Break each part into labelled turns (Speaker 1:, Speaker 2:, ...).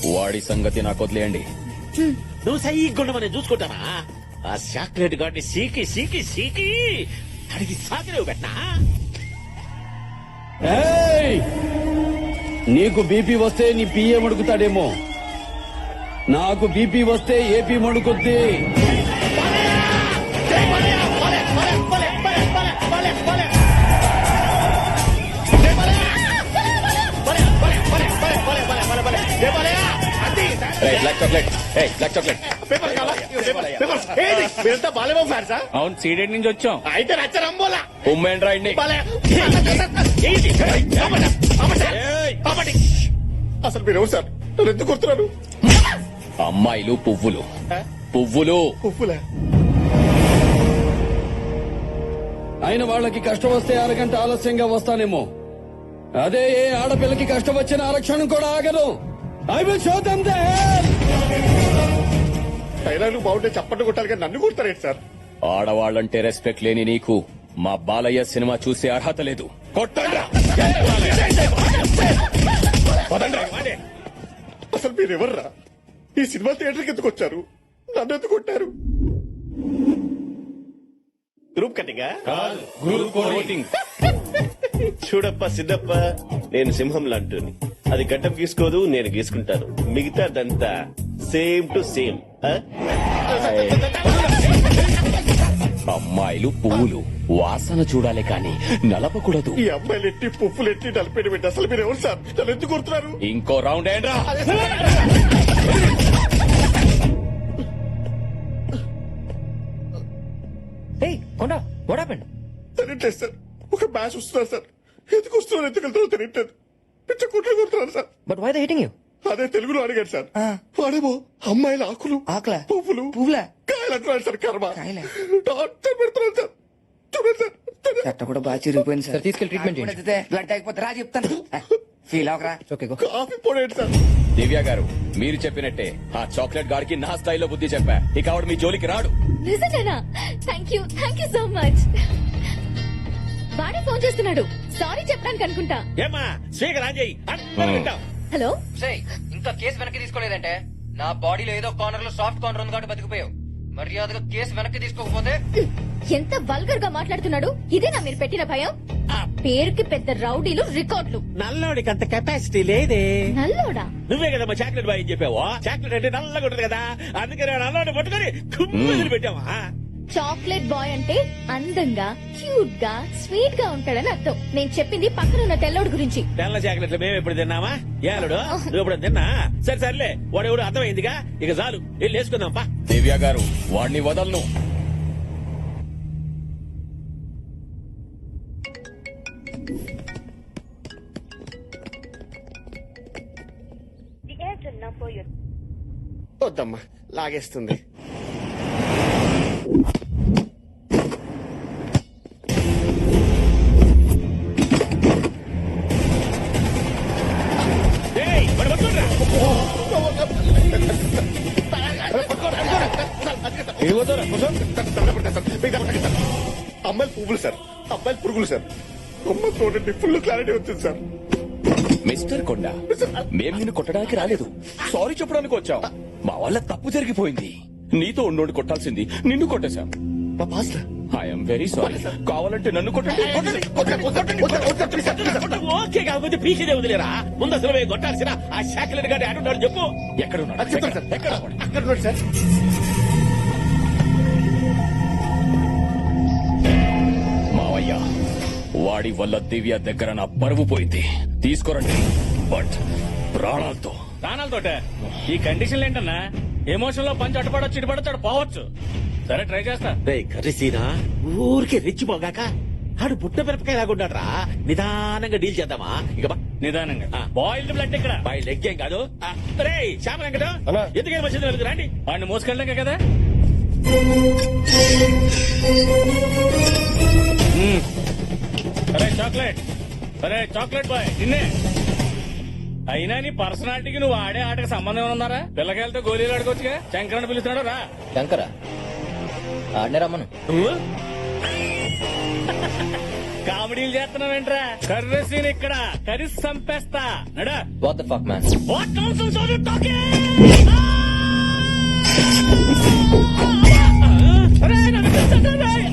Speaker 1: వాడి సంగతి నాకు వదిలేయండి.
Speaker 2: నువ్వు సైగుండ మనం చూసుకుంటావా? ఆ చాక్లెట్ గాడిని సీకి సీకి సీకి అడిగి సాగిలేవు పెట్టనా?
Speaker 3: ఏయ్! నీకు బీపీ వస్తే నీ పిఏ మడుకుతాడేమో, నాకు బీపీ వస్తే ఏపీ మడుకుద్ది.
Speaker 1: Black chocolate, black chocolate.
Speaker 2: మీరంతా బాలేమో ఫ్యాన్ సార్.
Speaker 1: అవును, సీడెడ్ నుంచి వచ్చాం.
Speaker 2: అయితే నచ్చరంబోలా
Speaker 1: ఉమ్మేండ్రా ఇండి.
Speaker 2: అసలు మీరు సార్ నన్ను ఎందుకు కొడుతున్నారు?
Speaker 1: అమ్మాయిలు పువ్వులు, పువ్వులు.
Speaker 2: ఉప్పులే
Speaker 3: అయిన వాళ్ళకి కష్టం వస్తే అరగంట ఆలస్యంగా వస్తానేమో, అదే ఏ ఆడపిల్లకి కష్టం వచ్చిన ఆరక్షణం కూడా ఆగదు. I will show them the hell.
Speaker 2: Dialogue బాగుంటే చప్పట్లు కొట్టాలి కానీ నన్ను కొడతారేంటి సార్?
Speaker 1: ఆడవాళ్ళంటే రెస్పెక్ట్ లేని నీకు మా బాలయ్య సినిమా చూసే అర్హత లేదు. కొట్టండ్రా.
Speaker 2: అసలు మీరు ఎవర్రా? ఈ సినిమా థియేటర్కి ఎందుకు వచ్చారు? నన్ను ఎందుకు కొట్టారు? గ్రూప్ కట్టింగా? చూడప్ప సిద్ధప్ప, నేను సింహం లాంటిని. అది గడ్డం గీసుకోదు, నేను గీసుకుంటాను. మిగతాదంతా సేమ్ టు సేమ్.
Speaker 1: అమ్మాయిలు పువ్వులు వాసన చూడాలి కానీ నలపకూడదు.
Speaker 2: ఈ అమ్మాయిలు ఎట్టి పువ్వులు ఎట్టి నలిపేట పెట్టి అసలు మీరు ఎవరు సార్? నన్ను ఎందుకు కొడుతున్నారు?
Speaker 1: ఇంకో రౌండ్ ఏంట్రా?
Speaker 2: తెలియట్లేదు సార్. ఒక మ్యాచ్ వస్తున్నారు సార్. ఎందుకు వస్తున్నారు, ఎందుకు వెళ్తారో తెలియట్లేదు. పిచ్చ కుట్ర కొడుతున్నారు sir.
Speaker 4: But why they hitting you?
Speaker 2: అదే తెలుగులో అడిగాడు సార్. వాడేమో అమ్మాయిల ఆకులు,
Speaker 4: ఆకులా?
Speaker 2: పువ్వులు,
Speaker 4: పువ్వులా?
Speaker 2: కాయలు అంటున్నాడు సార్. కర్మ
Speaker 4: కాయలా?
Speaker 2: టార్చర్ పెడుతున్నాడు సార్. చూడండి సార్.
Speaker 4: చట్ట కూడా బాగా చిరిగిపోయింది సార్. తీసుకెళ్ళి ట్రీట్మెంట్ చేయండి. బ్లడ్ అయిపోతే రా చెప్తాను. ఫీల్ అవకరా. Okay go.
Speaker 2: కాఫీ పోడేంటి సార్?
Speaker 1: దివ్య గారు, మీరు చెప్పినట్టే ఆ చాక్లెట్ గాడికి నా స్థాయిలో బుద్ధి చెప్పా. ఇక ఆవిడ మీ జోలికి రాడు.
Speaker 5: నిజంగానా? Thank you so much. వాడే ఫోన్ చేస్తున్నాడు. సారీ చెప్పడానికి అనుకుంటా.
Speaker 2: ఏమా స్పీకర్ ఆన్ చేయి, అందరూ వింటాం.
Speaker 5: హలో,
Speaker 4: ఇంకా కేసు వెనక్కి తీసుకోలేదంటే నా బాడీలో ఏదో కార్నర్ లో సాఫ్ట్ కార్నర్ ఉంది కాబట్టి బతికిపోయావు. మర్యాదగా కేసు వెనక్కి తీసుకోకపోతే.
Speaker 5: ఎంత వల్గర్ గా మాట్లాడుతున్నాడు. ఇదేనా మీరు పెట్టిన భయం? ఆ పేరుకి పెద్ద రౌడీలు, రికార్డులు.
Speaker 2: నల్లోడికి అంత కెపాసిటీ లేదే.
Speaker 5: నల్లోడా?
Speaker 2: నువ్వే కదా మా చాక్లెట్ బాయ్ చెప్పావు. చాక్లెట్ అంటే నల్లగా ఉంటది కదా, అందుకే నల్లోడి పట్టుకొని కుమ్మలు పెట్టావా?
Speaker 5: చాక్లెట్ బాయ్ అంటే అందంగా, క్యూట్ గా, స్వీట్ గా ఉంటాడని అర్థం. నేను చెప్పింది పక్కనున్న తెల్లోడు గురించి.
Speaker 2: తెల్ల చాక్లెట్లు మేము ఎప్పుడు తిన్నామా? ఏలుడు నువ్వు ఎప్పుడు తిన్నా? సరే సర్లే, వాడు ఎవడు అర్థమైందిగా, ఇక చాలు వెళ్ళి వేసుకుందాం పా.
Speaker 1: దివ్య గారు, వాడిని వదలను.
Speaker 2: వద్దమ్మా, లాగేస్తుంది. అమ్మాయిలు పువ్వులు సార్, అబ్బాయిలు పురుగులు సార్. అమ్మ చూడండి, ఫుల్ క్లారిటీ వచ్చింది సార్.
Speaker 1: మిస్టర్ కొండ, మేము నిన్ను కొట్టడానికి రాలేదు, సారీ చెప్పడానికి వచ్చాం. మా వల్ల తప్పు జరిగిపోయింది. నీతో ఉన్నోడు కొట్టాల్సింది నిన్ను కొట్టేశాం. I'm very sorry. కావాలంటే నన్ను కొట్టండి.
Speaker 2: ఓకే కాకపోతే పీకేదే వదిలేరా? ముందు అసలు కొట్టాల్సిన ఆ చాక్లెట్ గాడి ఆడున్నాడు చెప్పు.
Speaker 1: ఎక్కడున్నాడు?
Speaker 2: అక్కడ ఉన్నాడు సార్.
Speaker 1: మావయ్య, వాడి వల్ల దివ్య దగ్గర నా పరువు పోయింది. తీసుకురండి, బట్ ప్రాణాలతో.
Speaker 6: ప్రాణాలతోటే? ఈ కండిషన్లు ఏంటన్నా? ఎమోషన్ లో పంచి అటుపడొచ్చు, ఇటుపడొచ్చు, పోవచ్చు. సరే ట్రై చేస్తా.
Speaker 2: కర్రీసీనా ఊరికే రెచ్చిపోగాక ఆడు పుట్ట మిరపకాయ లాగుంటాడు రా. నిదానంగా డీల్ చేద్దామా? ఇక
Speaker 6: నిదానంగా. బాయిల్డ్ బ్లడ్ ఇక్కడ.
Speaker 2: బాయిల్డ్ ఎగ్ ఏం కాదు. రే శ్యామ వెంకట, ఎందుకే వచ్చింది వెళ్తు రండి.
Speaker 6: వాడిని మోసుకెళ్ళాక కదా. సరే చాక్లెట్, సరే చాక్లెట్ బాయ్ నిన్నే. అయినా నీ పర్సనాలిటీకి నువ్వు ఆడే ఆటకి సంబంధం ఉన్నారా? పిల్లకాయలతో గోళీలు ఆడుకోవచ్చుగా. శంకరని పిలుస్తున్నాడు రా.
Speaker 4: శంకరా ఆడనే రమ్మను.
Speaker 2: కామెడీ
Speaker 6: డీల్ చేస్తున్నావేంట్రా? కర్రీ సీన్ ఇక్కడ కర్రీ సంపేస్తా నడా.
Speaker 4: What the fuck man?
Speaker 6: What nonsense are you talking? అరే, నన్ను పిలిచాడు, రే.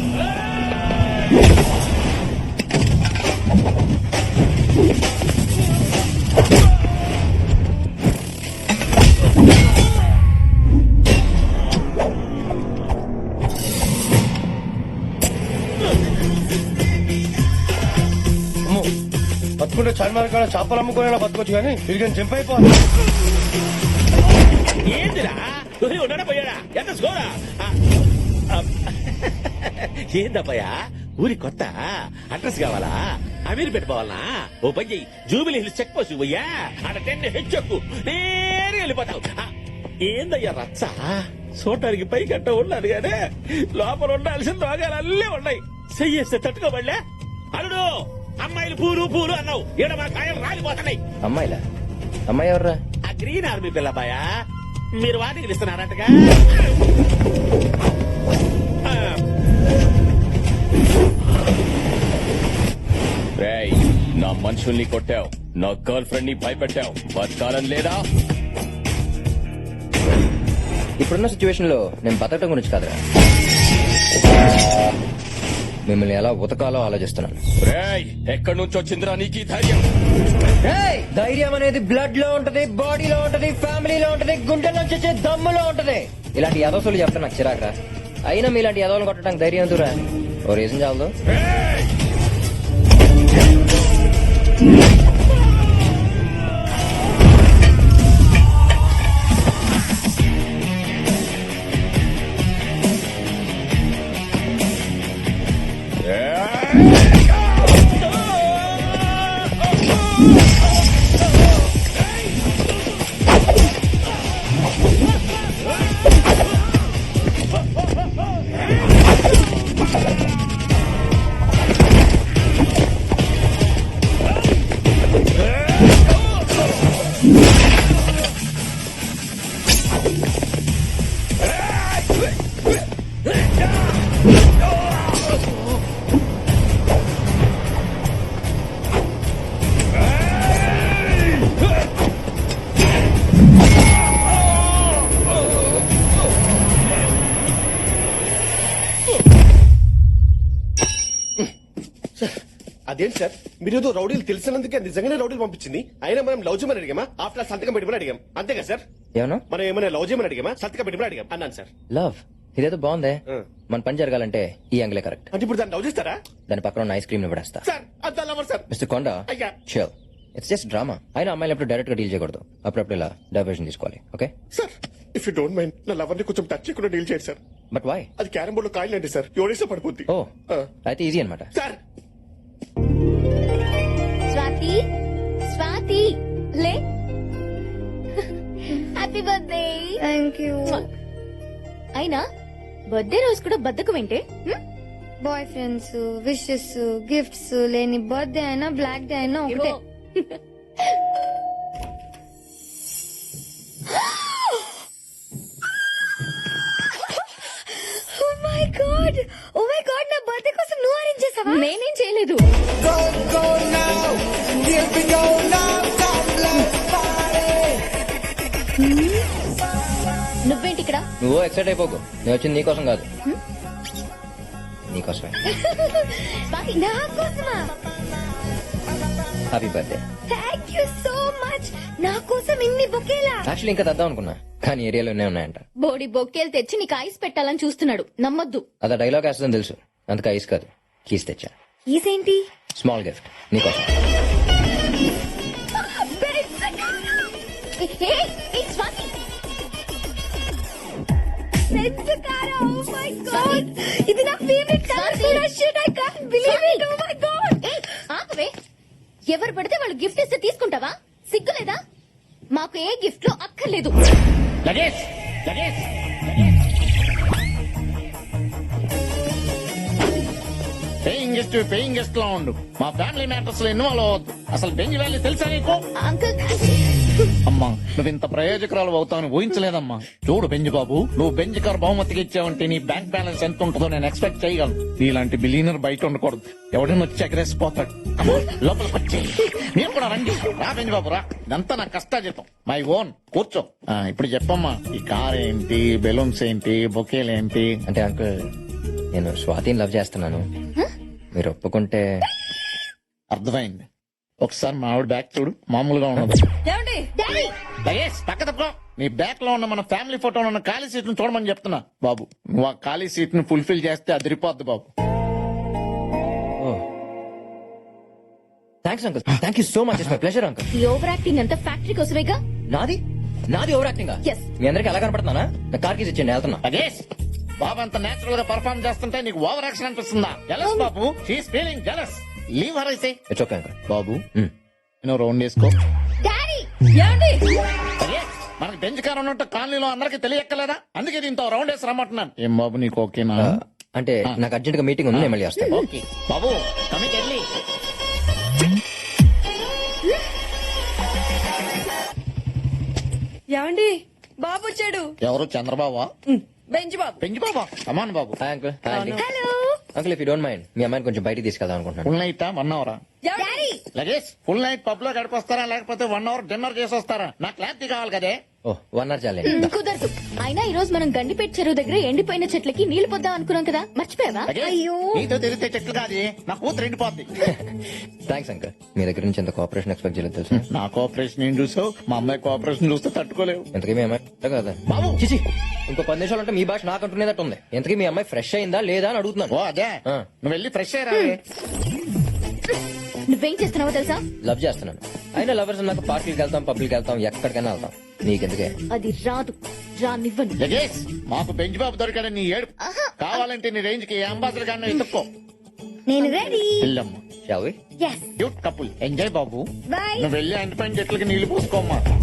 Speaker 7: బతుకుంటే చార్మినార్ కాడ చేపలు అమ్ముకునే బతుకోవచ్చు కానీ తిరిగి జంప్ అయిపోవాలి.
Speaker 2: ఏందిరా ఉన్నాడా పోయాడా ఎంత స్కోరా ఏందబ్బయ్యా ఊరి కొత్త అడ్రస్ కావాలా అమీర్ పెట్టుకోవాలనా? ఓ పని చెయ్యి, జూబిలీ హిల్స్ చెక్ పోస్ట్ పోయ్యా అక్కడ 10 హెచ్చెక్కు నేరుగా వెళ్ళిపోతావు. ఏందయ్యా రచ్చ చూడటానికి పై గట్ట ఉన్నాడు గానే లోపల ఉండాల్సిన రోగాలు అల్లే ఉన్నాయి. చెయ్యేస్తే తట్టుకోబడలే. అల్లుడు అమ్మాయిలు పూలు పూలు అన్నావు, ఈడ మా కాయలు రాలిపోతున్నాయి.
Speaker 4: అమ్మాయిలా? అమ్మాయి ఎవర్రా?
Speaker 2: ఆ గ్రీన్ ఆర్మీ పిల్లబాయా మీరు వాటికి ఇస్తున్నారటగా.
Speaker 1: రేయ్, నా మనుషుల్ని కొట్టావు, నా గర్ల్ ఫ్రెండ్ ని భయపెట్టావు, బతకాలని లేదా?
Speaker 4: ఇప్పుడున్న సిచ్యువేషన్ లో నేను బతకడం గురించి కాదురా, మిమ్మల్ని ఎలా ఉతకాలో ఆలోచిస్తున్నాను.
Speaker 1: రేయ్, ఎక్కడి నుంచి వచ్చిందిరా నీకు ఈ ధైర్యం?
Speaker 4: ధైర్యం అనేది బ్లడ్ లో ఉంటది, బాడీలో ఉంటది, ఫ్యామిలీలో ఉంటది, గుండెల్లో వచ్చే దమ్ములో ఉంటది. ఇలాంటి యదవసులు చెప్తా నాకు చిరాకురా. అయినా మీలాంటి యదవలు కొట్టడానికి ధైర్యం ఎందుకురా? ఓ రీజన్ చాలదు.
Speaker 2: అదేంటి సార్ మీరు ఏదో రౌడీలు తెలిసినందుకే నిజంగానే రౌడీలు పంపించింది. అయినా మనం లవ్ చేయమని అడిగామా? ఆఫ్టర్ సంతకం పెట్టమని అడిగాం అంతేగా సార్?
Speaker 4: ఏమన్నా
Speaker 2: మనం ఏమైనా లవ్ చేయమని అడిగామా? సంతకం పెట్టమని అడిగాం అన్నాను సార్.
Speaker 4: లవ్ ఇదేదో బాగుందే.
Speaker 2: ఆ.
Speaker 4: మన పని జరగాలంటే ఈ యాంగిలే కరెక్ట్.
Speaker 2: అంటే ఇప్పుడు దాన్ని లవ్ చేస్తారా
Speaker 4: దాని పక్కన ఉన్న ఐస్ క్రీమ్ ని పడేస్తా.
Speaker 2: సార్? అంత లవర్ సార్.
Speaker 4: మిస్టర్ కొండ,
Speaker 2: అయ్యా.
Speaker 4: Sure it's just drama. అయినా అమ్మాయిలు ఎప్పుడు డైరెక్ట్ గా డీల్ చేయకూడదు, అప్పుడప్పుడు ఇలా డైవర్షన్ తీసుకోవాలి. Okay
Speaker 2: sir if you don't mind నా లవర్ ని కొంచెం టచ్ చేయకుండా డీల్ చేయండి సార్.
Speaker 4: But why?
Speaker 2: అది క్యారం బోర్డ్ లో కాయలు అండి సార్, ఎవరేసా పడిపోద్ది.
Speaker 4: ఓ
Speaker 2: ఆ.
Speaker 4: అయితే ఈజీ అనమాట.
Speaker 2: సార్
Speaker 5: స్వాతి, స్వాతి లే. Happy birthday.
Speaker 8: Thank you.
Speaker 5: అయినా బర్త్డే రోజు కూడా బద్దకు వింటే
Speaker 8: బాయ్ ఫ్రెండ్స్, విషెస్, గిఫ్ట్స్ లేని బర్త్డే అయినా బ్లాక్ డే అయినా ఒకటే. Oh my god, oh my god, నా బర్త్డే కోసం నువ్వు అరేంజ్ చేసావా?
Speaker 5: నేనేం చేయలేదు. నువ్వేంటి ఇక్కడ?
Speaker 4: నువ్వు ఎక్సైట్ అయిపోకు, నేను వచ్చింది నీకోసం కాదు, నీకోసమే.
Speaker 5: స్వాతి,
Speaker 8: నా కోసమా?
Speaker 4: Happy birthday.
Speaker 8: Thank you so much. నా కోసం ఇన్ని బొకేలా?
Speaker 4: యాక్చువల్లీ ఇంకా తెద్దాం అనుకున్నా, కానీ ఏరియాలోనే ఉన్నాయంట.
Speaker 5: బోడి బొక్కేలు తెచ్చి నీకు ఐస్ పెట్టాలని చూస్తున్నాడు, నమ్మొద్దు.
Speaker 4: అదా డైలాగ్ వేస్తుందని తెలుసు, అందుకే ఐస్ కాదు కీస్ తెచ్చా.
Speaker 8: ఇదేంటి?
Speaker 4: స్మాల్ గిఫ్ట్ నీకోసం.
Speaker 5: Swathi,
Speaker 8: red car. Oh my god, ఇది నా ఫేవరెట్ కలర్ కూడా. Shit, I can't believe it. Oh my god.
Speaker 5: ఆపవే. ఎవరు పడితే వాళ్ళు గిఫ్ట్ ఇస్తే తీసుకుంటావా? సిగ్గులేదా? మాకు ఏ గిఫ్ట్ లో అక్కర్లేదు.
Speaker 6: Lagesh Lagesh
Speaker 9: guest paying guest లా ఉండు. మా ఫ్యామిలీ మ్యాటర్స్ లో ఇన్వాల్వ్ అవ్వద్దు. అసలు బెంజ్ వ్యాలీ తెలుసా నీకు?
Speaker 5: అంకుల్
Speaker 9: అమ్మా నువ్వు ఇంత ప్రయోజకురాలు అవుతావని ఊహించలేదమ్మా. చూడు బెంజ్ బాబు, నువ్వు బెంజ్ కార్ బహుమతికి ఇచ్చావంటే నీ బ్యాంక్ బ్యాలెన్స్ ఎంత ఉంటుందో నేను ఎక్స్పెక్ట్ చేయగలను. నీలాంటి బిలీనర్ బయట ఉండకూడదు. ఎవడైనా వచ్చి ఎగరేసిపోతాడు. అమ్మా, లోపలికి వచ్చి మీరు కూడా రండి. రా బెంజ్ బాబు రా. ఇదంతా నా కష్టాజీతం, మై ఓన్. కూర్చో. ఇప్పుడు చెప్పమ్మా, ఈ కార్ ఏంటి, బెలూన్స్ ఏంటి, బొకేలు ఏంటి?
Speaker 4: అంటే అంకుల్ నేను స్వాతిని లవ్ చేస్తున్నాను. మీరు ఒప్పుకుంటే.
Speaker 9: అర్థమైంది. ఒకసారి మా ఆవిడ బ్యాక్ చూడు, మామూలుగా ఉన్నది.
Speaker 5: డాడీ
Speaker 9: లగేష్ పక్క తప్పుకో. నీ బ్యాక్ లో ఉన్న మన ఫ్యామిలీ ఫోటోలో ఉన్న ఖాళీ సీట్ ను చూడమని చెప్తున్నా. బాబు నువ్వు ఆ ఖాళీ సీట్ ను ఫుల్ఫిల్ చేస్తే అదిరిపోద్ది బాబు.
Speaker 4: Thanks uncle, thank you so much. It's my pleasure uncle.
Speaker 5: ఈ ఓవర్ యాక్టింగ్ అంతా ఫ్యాక్టరీ కోసమేగా.
Speaker 4: నాది నాది ఓవర్ యాక్టింగ్.
Speaker 5: Yes.
Speaker 4: మీ అందరికి ఎలా కనపడుతున్నానా? నా కార్ కీస్ ఇచ్చేయండి, వెళ్తున్నా.
Speaker 9: లగేష్ బాబు అంత నేచురల్ గా పర్ఫార్మ్ చేస్తుంటే నీకు ఓవర్ యాక్షన్ అనిపిస్తుందా? జలస్ బాబు, she's feeling jealous. Leave her అయితే.
Speaker 4: It's okay uncle.
Speaker 9: బాబు నేను రౌండ్ వేసుకో.
Speaker 5: డాడీ
Speaker 9: లగేష్ మనకి బెంచ్ కార్ ఉన్నట్టు కాలనీలో అందరికి తెలియక్కలేదా? అందుకే దీంతో రౌండ్ వేసి రమ్మంటున్నాను. ఏం బాబు నీకు ఓకేనా?
Speaker 4: అంటే నాకు అర్జెంట్ గా మీటింగ్ ఉంది, నేను మళ్ళీ వస్తాను.
Speaker 9: ఓకే బాబు కమిట్ వెళ్ళి.
Speaker 8: ఏమండి బాబు వచ్చాడు.
Speaker 9: ఎవరు? చంద్రబాబు?
Speaker 8: బెంచ్ బాబు.
Speaker 9: పెంచి బాబా? కమాన్ బాబు.
Speaker 4: Hi uncle. హాయ్ అండి.
Speaker 5: Hello
Speaker 4: uncle if you don't mind మీ అమ్మాయిని కొంచెం బయటికి తీసుకెళ్దాం అనుకుంటున్నాను.
Speaker 9: ఫుల్ నైట్ 1 అవరా?
Speaker 5: Daddy
Speaker 9: Lagesh full night pub లో గడిపొస్తారా లేకపోతే 1 అవర్ డిన్నర్ చేసి వస్తారా? నాకు క్లారిటీ కావాలి కదే.
Speaker 4: ఓ 1 అవర్ చాలే.
Speaker 5: కుదరదు. అయినా ఈ రోజు మనం గండిపేట చెరువు దగ్గర ఎండిపోయిన చెట్లకి నీళ్లు పొద్దాం అనుకున్నాం కదా, మర్చిపోయావా?
Speaker 9: లగేష్, నీతో తెలిస్తే చెట్లు కాదు, నా కూతురు ఎండిపోద్ది.
Speaker 4: థ్యాంక్స్ అంకుల్, మీ దగ్గర నుంచి ఎంత కోఆపరేషన్ ఎక్స్పెక్ట్ చేయలేదు తెలుసా.
Speaker 9: నా కోఆపరేషన్ ఏం చూసావు? మా అమ్మాయి కోఆపరేషన్ చూస్తే తట్టుకోలేవు.
Speaker 4: ఎంతకీ మీ అమ్మాయి కదా
Speaker 9: బాబు.
Speaker 4: చిచి, ఇంకో 10 నిమిషాలు అంటే మీ భాష నాకు అంటున్నదట్టు ఉంది. ఎంతకీ మీ అమ్మాయి ఫ్రెష్ అయిందా లేదా అని అడుగుతున్నాను.
Speaker 9: ఓ అదే,
Speaker 4: ఆ.
Speaker 9: నువ్వు వెళ్ళి ఫ్రెష్ అయ్యరా.
Speaker 5: నువ్వేం చేస్తున్నావో తెలుసా?
Speaker 4: లవ్ చేస్తున్నాను. అయినా లవర్స్ నాకు పార్టీకి వెళ్తాం, పబ్లిక్ వెళ్తాం, ఎక్కడికైనా వెళ్తాం. నీకెందుకే?
Speaker 5: అది రాదు, రానివ్వను.
Speaker 9: లగేష్ మాకు బెంచ్ బాబు దొరికాడని నీ ఏడు. కావాలంటే నీ రేంజ్ కి అంబాసిడర్ గారిని ఎత్తుక్కో.
Speaker 8: నేను రెడీ.
Speaker 9: వెళ్ళమ్మా.
Speaker 4: Shall we?
Speaker 8: Yes
Speaker 9: cute couple enjoy బాబు.
Speaker 8: బై.
Speaker 9: నువ్వు వెళ్ళి ఎండిపోయిన చెట్లకి నీళ్లు పోసుకోమ్మా.